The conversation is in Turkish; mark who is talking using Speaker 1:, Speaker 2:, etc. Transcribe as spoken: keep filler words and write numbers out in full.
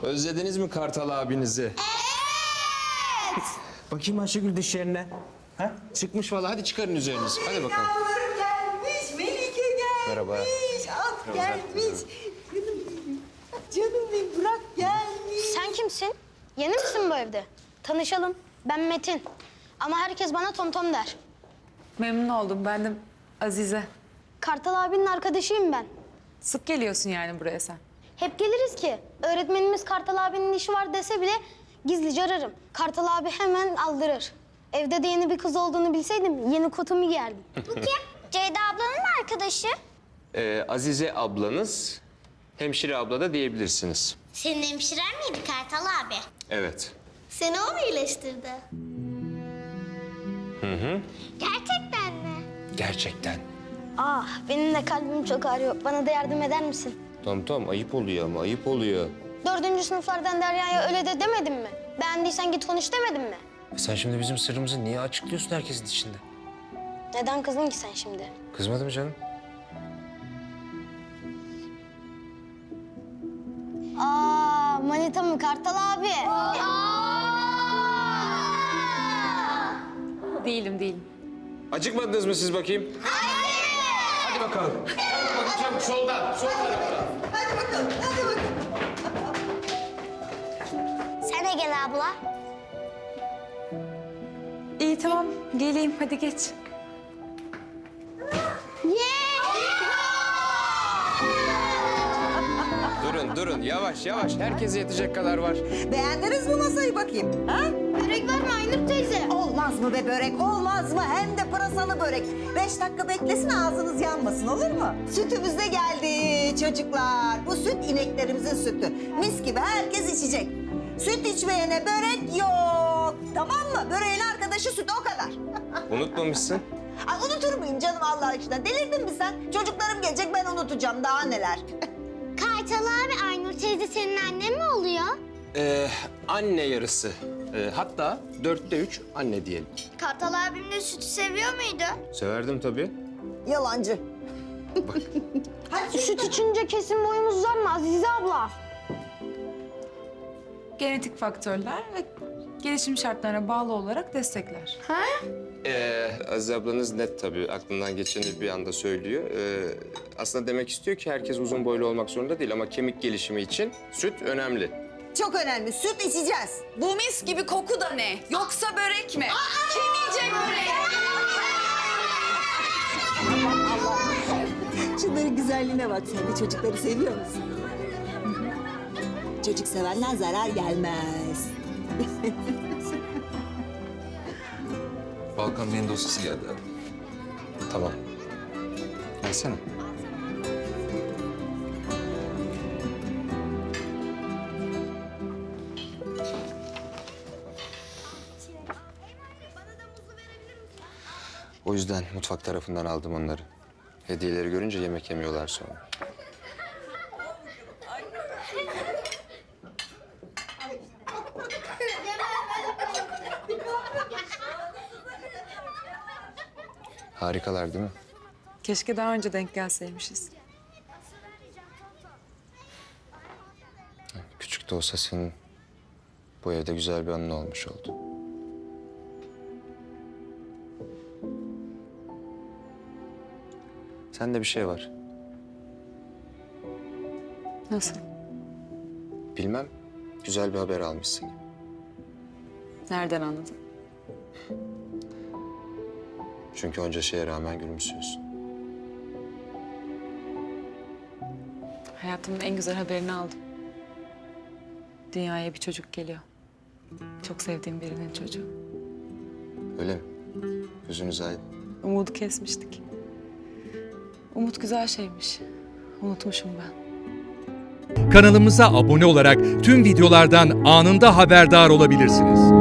Speaker 1: Özlediniz mi Kartal abinizi?
Speaker 2: Evet.
Speaker 1: Bakayım Ayşegül dişlerine. Ha? Çıkmış vallahi. Hadi çıkarın üzerinizi. Hadi bakalım.
Speaker 2: Yavrum gelmiş, Melike gelmiş.
Speaker 1: Merhaba.
Speaker 2: At gelmiş. Canım benim. Canım benim, Burak gelmiş.
Speaker 3: Sen kimsin? Yeni misin bu evde? Tanışalım. Ben Metin. Ama herkes bana Tomtom der.
Speaker 4: Memnun oldum. Ben de Azize.
Speaker 3: Kartal abinin arkadaşıyım ben.
Speaker 4: Sık geliyorsun yani buraya sen.
Speaker 3: Hep geliriz ki. Öğretmenimiz Kartal abinin işi var dese bile gizlice ararım. Kartal abi hemen aldırır. Evde de yeni bir kız olduğunu bilseydim yeni kotumu giyerdim.
Speaker 5: Bu kim? Ceyda ablanın mı arkadaşı?
Speaker 1: Ee, Azize ablanız, hemşire abla da diyebilirsiniz.
Speaker 5: Senin hemşiren miydi Kartal abi?
Speaker 1: Evet.
Speaker 5: Seni o mu iyileştirdi?
Speaker 1: Hı hı.
Speaker 5: Gerçekten mi?
Speaker 1: Gerçekten.
Speaker 3: Ah benim de kalbim çok ağrıyor. Bana da yardım eder misin?
Speaker 1: Tamam tamam, ayıp oluyor ama ayıp oluyor.
Speaker 3: Dördüncü sınıflardan Derya'ya öyle de demedim mi? Beğendiysen git konuş demedim mi?
Speaker 1: E sen şimdi bizim sırrımızı niye açıklıyorsun herkesin içinde?
Speaker 3: Neden kızdın ki sen şimdi?
Speaker 1: Kızmadı mı canım?
Speaker 3: Aa manita mı Kartal abi?
Speaker 4: Değilim, değilim.
Speaker 1: Acıkmadınız mı siz bakayım? Hayır. Hadi bakalım. Çabuk çabuk soldan, sol taraftan.
Speaker 2: Hadi bakalım, hadi bakalım.
Speaker 5: Sen de gel abla.
Speaker 4: İyi tamam. Geleyim. Hadi geç.
Speaker 1: Durun durun, yavaş yavaş. Herkese yetecek kadar var.
Speaker 2: Beğendiniz mi masayı bakayım? Ha?
Speaker 3: Börek var mı Aynur teyze?
Speaker 2: Olmaz mı be börek, olmaz mı? Hem de pırasalı börek. Beş dakika beklesin, ağzınız yanmasın, olur mu? Sütümüz de geldi çocuklar. Bu süt ineklerimizin sütü. Mis gibi herkes içecek. Süt içmeyene börek yok. Tamam mı? Böreğin arkadaşı süt, o kadar.
Speaker 1: Unutmamışsın.
Speaker 2: Ay, unutur muyum canım Allah aşkına? Delirdin mi sen? Çocuklarım gelecek, ben unutacağım. Daha neler?
Speaker 5: Kartal abi, Aynur teyze senin annen mi oluyor?
Speaker 1: Ee, anne yarısı. Ee, hatta dörtte üç anne diyelim.
Speaker 5: Kartal abim de sütü seviyor muydu?
Speaker 1: Severdim tabii.
Speaker 2: Yalancı.
Speaker 3: Süt içince kesin boyumuz uzar mı Azize abla?
Speaker 4: Genetik faktörler ve gelişim şartlarına bağlı olarak destekler.
Speaker 1: Ee, Aziz ablanız net tabii. Aklından geçeni bir anda söylüyor. Ee, aslında demek istiyor ki herkes uzun boylu olmak zorunda değil ama kemik gelişimi için süt önemli.
Speaker 2: Çok önemli. Süt içeceğiz.
Speaker 6: Bu mis gibi koku da ne? Yoksa börek mi? Kim yiyecek böreği?
Speaker 2: Şunların güzelliğine bak sen de, çocukları seviyor musun? Çocuk sevenden zarar gelmez.
Speaker 7: Balkan Bey'in dosyası geldi abi.
Speaker 1: Tamam. Gelsene. O yüzden mutfak tarafından aldım onları. Hediyeleri görünce yemek yemiyorlar sonra. Harikalar değil mi?
Speaker 4: Keşke daha önce denk gelseymişiz.
Speaker 1: Küçük de olsa senin bu evde güzel bir anın olmuş oldu. Sende bir şey var.
Speaker 4: Nasıl?
Speaker 1: Bilmem, güzel bir haber almışsın gibi.
Speaker 4: Nereden anladın?
Speaker 1: Çünkü onca şeye rağmen gülümsüyorsun.
Speaker 4: Hayatımın en güzel haberini aldım. Dünyaya bir çocuk geliyor. Çok sevdiğim birinin çocuğu.
Speaker 1: Öyle mi? Gözünüz aydın.
Speaker 4: Umudu kesmiştik. Umut güzel şeymiş. Unutmuşum ben.
Speaker 8: Kanalımıza abone olarak tüm videolardan anında haberdar olabilirsiniz.